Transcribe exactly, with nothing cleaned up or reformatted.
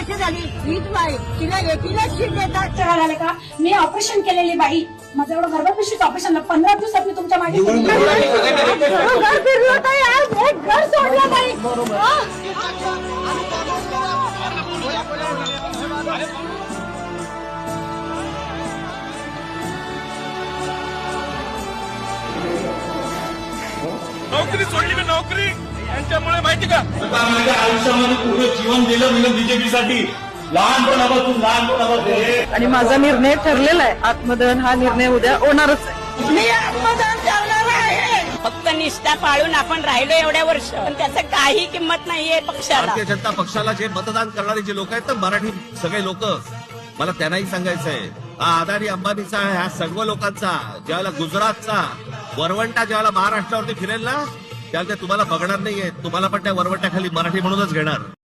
वर्ष झाली हीच बाई, तिला एकीला शीट देतात. झाले का? मी ऑपरेशन केलेली बाई, माझं एवढं गर्भ पिशवीचं ऑपरेशन पंधरा दिवसात मी तुमच्या मागे घर फिरलं ताई, आज एक घर सोडलं ताई. नोकरी सोडली मी, नोकरी यांच्यामुळे माहिती का? माझ्या आयुष्यामध्ये पूर्ण जीवन दिलं मी बीजेपीसाठी. लहानपणापासून लहानपणापासून आणि माझा निर्णय ठरलेला आहे. आत्मदहन हा निर्णय उद्या होणारच आहे. मी आत्मदान करणार आहे. फक्त निष्ठा पाळून आपण राहिलो एवढ्या वर्ष, पण त्याचं काही किंमत नाहीये पक्षाला. भारतीय जनता पक्षाला जे मतदान करणारे जे लोक आहेत ना, मराठी सगळे लोक, मला त्यांनाही सांगायचं आहे, हा अदानी अंबानीचा ह्या सर्व लोकांचा ज्यावेळेला गुजरातचा वरवंटा ज्यावेळेला महाराष्ट्रावरती फिरेल ना, त्यावेळेला ते तुम्हाला बघणार नाहीये. तुम्हाला पण त्या वरवंट्याखाली मराठी म्हणूनच घेणार.